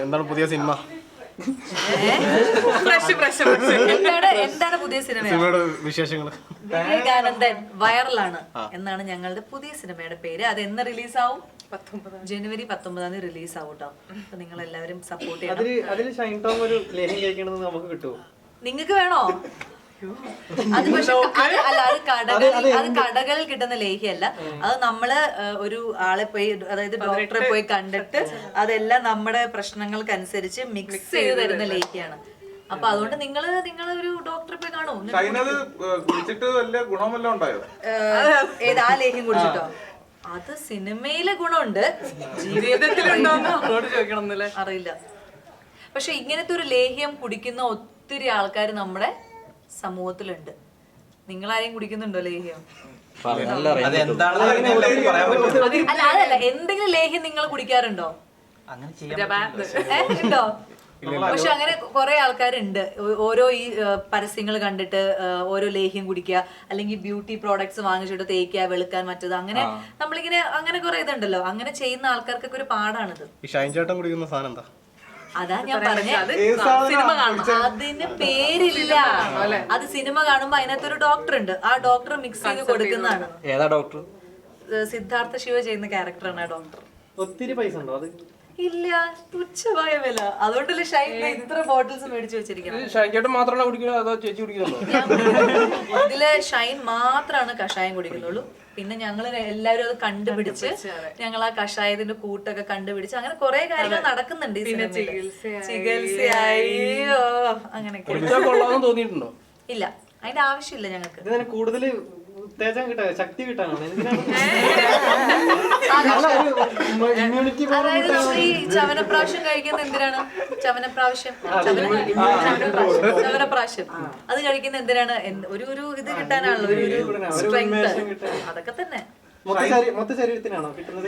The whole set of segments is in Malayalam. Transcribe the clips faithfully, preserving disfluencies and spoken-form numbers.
എന്താണ് പുതിയ സിനിമ? എന്താണ് എന്താണ് പുതിയ സിനിമ? സിനിമയുടെ വിശേഷങ്ങൾ. വിവേകാനന്ദൻ വൈറലാണ് എന്നാണ് ഞങ്ങളുടെ പുതിയ സിനിമയുടെ പേര്. അത് എന്ന് റിലീസാവും? ജനുവരി പത്തൊമ്പതാം തീയതി റിലീസ് ആവും കേട്ടോ. അപ്പൊ നിങ്ങൾ എല്ലാവരും സപ്പോർട്ട് ചെയ്യണം. നിങ്ങൾക്ക് വേണോ? അത് പക്ഷെ അല്ല, അത് കടകളിൽ അത് കടകളിൽ കിട്ടുന്ന ലേഹ്യല്ല. അത് നമ്മള് ഒരു ആളെ പോയി, അതായത് ഡോക്ടറെ പോയി കണ്ടിട്ട് അതെല്ലാം നമ്മുടെ പ്രശ്നങ്ങൾക്കനുസരിച്ച് മിക്സ് ചെയ്ത് തരുന്ന ലേഹ്യാണ്. അപ്പൊ അതുകൊണ്ട് നിങ്ങള് നിങ്ങള് ഒരു ഡോക്ടറെ പോയി കാണൂ. ഏത് ആ ലേഹ്യം കുടിച്ചിട്ടോ? അത് സിനിമയിലെ ഗുണമുണ്ട്, ജീവിതത്തിലുണ്ടോ അറിയില്ല. പക്ഷെ ഇങ്ങനത്തെ ഒരു ലേഹ്യം കുടിക്കുന്ന ഒത്തിരി ആൾക്കാർ നമ്മുടെ സമൂഹത്തിലുണ്ട്. നിങ്ങൾ ആരെയും കുടിക്കുന്നുണ്ടോ ലേഹ്യം? അല്ല അതല്ല, എന്തെങ്കിലും ലേഹ്യം നിങ്ങൾ കുടിക്കാറുണ്ടോ? ഉണ്ടോ? പക്ഷെ അങ്ങനെ കുറെ ആൾക്കാരുണ്ട്. ഓരോ ഈ പരസ്യങ്ങൾ കണ്ടിട്ട് ഓരോ ലേഹ്യം കുടിക്കുക, അല്ലെങ്കിൽ ബ്യൂട്ടി പ്രോഡക്ട്സ് വാങ്ങിച്ചിട്ട് തേക്കുക, വെളുക്കാൻ മറ്റത്, അങ്ങനെ നമ്മളിങ്ങനെ അങ്ങനെ കുറെ ഇതുണ്ടല്ലോ. അങ്ങനെ ചെയ്യുന്ന ആൾക്കാർക്കൊക്കെ ഒരു പാടാണിത്. ഷൈൻ ചേട്ടൻ കുടിക്കുന്ന സാധനം എന്താ? അതാ ഞാൻ പറഞ്ഞ അതിന് പേരില്ല. അത് സിനിമ കാണുമ്പോ അതിനകത്തൊരു ഡോക്ടർ ഉണ്ട്, ആ ഡോക്ടർ മിക്സ് ചെയ്ത് കൊടുക്കുന്നതാണ്. ഏതാ ഡോക്ടർ? സിദ്ധാർത്ഥ ശിവ ചെയ്യുന്ന ക്യാരക്ടറാണ് ആ ഡോക്ടർ. ഒത്തിരി പൈസ ഉണ്ടോ അത്? ഇല്ല, തുച്ഛമായ വില. അതുകൊണ്ടല്ലേ ഷൈൻ ഇത്ര ബോട്ടിൽസ് മേടിച്ചു വെച്ചിരിക്കുന്നത്. ഷൈൻ ചേട്ടൻ മാത്രമാണ് കുടിക്കുന്നത് അതോ ചേച്ചി കുടിക്കുന്നുണ്ടോ? ഇതില് ഷൈൻ മാത്രമാണ് കഷായം കുടിക്കുന്നുള്ളൂ. പിന്നെ ഞങ്ങള് എല്ലാവരും അത് കണ്ടുപിടിച്ച് ഞങ്ങൾ ആ കഷായത്തിന്റെ കൂട്ടൊക്കെ കണ്ടുപിടിച്ച് അങ്ങനെ കുറെ കാര്യങ്ങൾ നടക്കുന്നുണ്ട്. ചികിത്സയായോ അങ്ങനെയൊക്കെ. തോന്നിയിട്ടുണ്ടോ? ഇല്ല, അതിന്റെ ആവശ്യമില്ല ഞങ്ങൾക്ക്. കൂടുതൽ ശക്തി കിട്ടാനാണ്. അതായത് ഈ ചവനപ്രാവശ്യം കഴിക്കുന്ന എന്തിനാണ്? ചവനപ്രാവശ്യം ചവനപ്രാവശ്യം അത് കഴിക്കുന്ന എന്തിനാണ്? ഒരു ഒരു ഇത് കിട്ടാനാണല്ലോ, ഒരു ഒരു സ്ട്രെങ്ത്. അതൊക്കെ തന്നെ. മൊത്ത ശരീരത്തിനാണോ കിട്ടുന്നത്?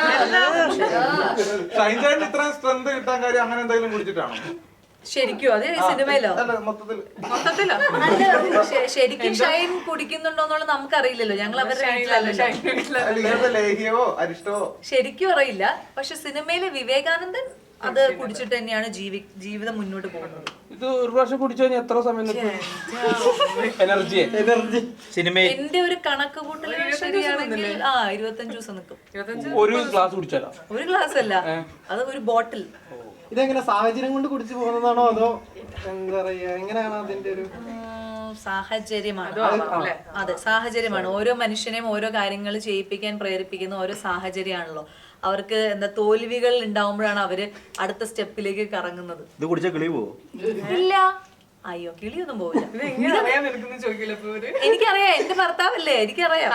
ശരിക്കും അത് സിനിമയിലോ മൊത്തത്തിലോ? ശരിക്കും ഷൈൻ കുടിക്കുന്നുണ്ടോന്നുള്ളത് നമുക്കറിയില്ലല്ലോ. ഞങ്ങൾ അവരുടെ വീട്ടിലല്ലോ, ശരിക്കും അറിയില്ല. പക്ഷെ സിനിമയിലെ വിവേകാനന്ദൻ അത് കുടിച്ചിട്ട് തന്നെയാണ് ജീവി ജീവിതം മുന്നോട്ട് പോകുന്നത്. ഇത് ഒരു പ്രാവശ്യം കുടിച്ചു കഴിഞ്ഞാൽ എത്ര സമയം എനർജി എനർജി സിനിമയിൽ എന്റെ ഒരു കണക്ക് കൂട്ടൽ ശരിയാണെങ്കിൽ ആ ഇരുപത്തഞ്ചു ദിവസം നിൽക്കും. ഒരു ഗ്ലാസ് കുടിച്ചാലോ? ഒരു ഗ്ലാസ് അല്ല, അത് ഒരു ബോട്ടിൽ. ഇതെങ്ങനെ സാഹചര്യം കൊണ്ട് കുടിച്ചു പോകുന്നതാണോ അതോ എന്താ പറയാ, എങ്ങനെയാണ് അതിന്റെ ഒരു സാഹചര്യമാണ്? അതെ, സാഹചര്യമാണ്. ഓരോ മനുഷ്യനെയും ഓരോ കാര്യങ്ങൾ ചെയ്യിപ്പിക്കാൻ പ്രേരിപ്പിക്കുന്ന ഓരോ സാഹചര്യമാണല്ലോ. അവർക്ക് എന്താ തോൽവികൾ ഉണ്ടാവുമ്പോഴാണ് അവര് അടുത്ത സ്റ്റെപ്പിലേക്ക് കറങ്ങുന്നത്. ഇത് കുടിച്ചാൽ കിളി പോവോ? ഇല്ല, അയ്യോ കിളിയൊന്നും പോവില്ല. എനിക്കറിയാം, എന്റെ ഭർത്താവല്ലേ, എനിക്കറിയാം.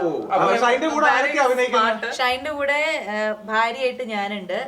ഷൈന്റെ കൂടെ ഭാര്യയായിട്ട് ഞാനുണ്ട്.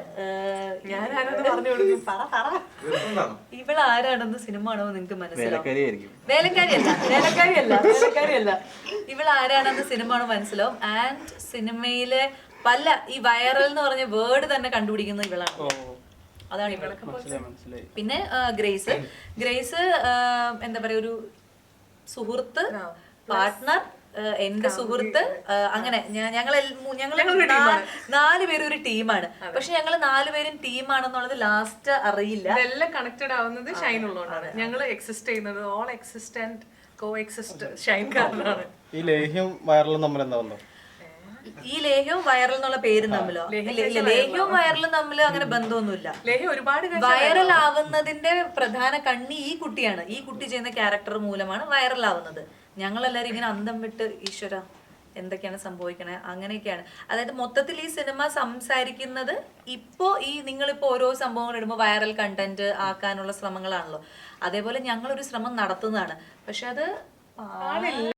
ഇവളാരാണെന്ന് സിനിമ കാണുമ്പോൾ നിങ്ങക്ക് മനസ്സിലാവും. വേലക്കാരിയല്ല വേലക്കാരിയല്ല വേലക്കാരിയല്ല ഇവളാരാണെന്ന് സിനിമ കാണുമ്പോൾ മനസ്സിലാവും. ആൻഡ് സിനിമയിലെ പല ഈ വൈറൽ എന്ന് പറഞ്ഞ വേർഡ് തന്നെ കണ്ടുപിടിക്കുന്നത് ഇവളാണ്. അതാണ് ഇവളൊക്കെ. പിന്നെ ഗ്രേസ് ഗ്രേസ് എന്താ പറയാ, ഒരു സുഹൃത്ത്, പാർട്ട്ണർ, എന്റെ സുഹൃത്ത്, അങ്ങനെ ഞങ്ങൾ ഞങ്ങൾ നാല് പേരും ഒരു ടീമാണ്. പക്ഷെ ഞങ്ങൾ നാലുപേരും ടീമാണെന്നുള്ളത് ലാസ്റ്റ് അറിയില്ല. ഇതെല്ലാം കണക്റ്റഡ് ആവുന്നത് ഷൈൻ ഉള്ളതുകൊണ്ടാണ്. ഞങ്ങൾ എക്സിസ്റ്റ് ചെയ്യുന്നത് all existent coexist shine കാരണമാണ്. ഈ ലേഹ്യം വൈറലും തമ്മിൽ എന്താ ബന്ധം? ഈ ലേഹ്യവും വൈറൽ എന്നുള്ള പേരും തമ്മിലോ? ലേഹ്യവും വൈറലും തമ്മിൽ അങ്ങനെ ബന്ധമൊന്നുമില്ല. ഒരുപാട് വൈറൽ ആവുന്നതിന്റെ പ്രധാന കണ്ണി ഈ കുട്ടിയാണ്. ഈ കുട്ടി ചെയ്യുന്ന ക്യാരക്ടർ മൂലമാണ് വൈറൽ ആവുന്നത്. ഞങ്ങളെല്ലാരും ഇങ്ങനെ അന്തം വിട്ട് ഈശ്വര എന്തൊക്കെയാണ് സംഭവിക്കണേ അങ്ങനെയൊക്കെയാണ്. അതായത് മൊത്തത്തിൽ ഈ സിനിമ സംസാരിക്കുന്നത് ഇപ്പോ ഈ നിങ്ങളിപ്പോ ഓരോ സംഭവങ്ങൾ ഇടുമ്പോൾ വൈറൽ കണ്ടന്റ് ആക്കാനുള്ള ശ്രമങ്ങളാണല്ലോ. അതേപോലെ ഞങ്ങളൊരു ശ്രമം നടത്തുന്നതാണ്. പക്ഷെ അത്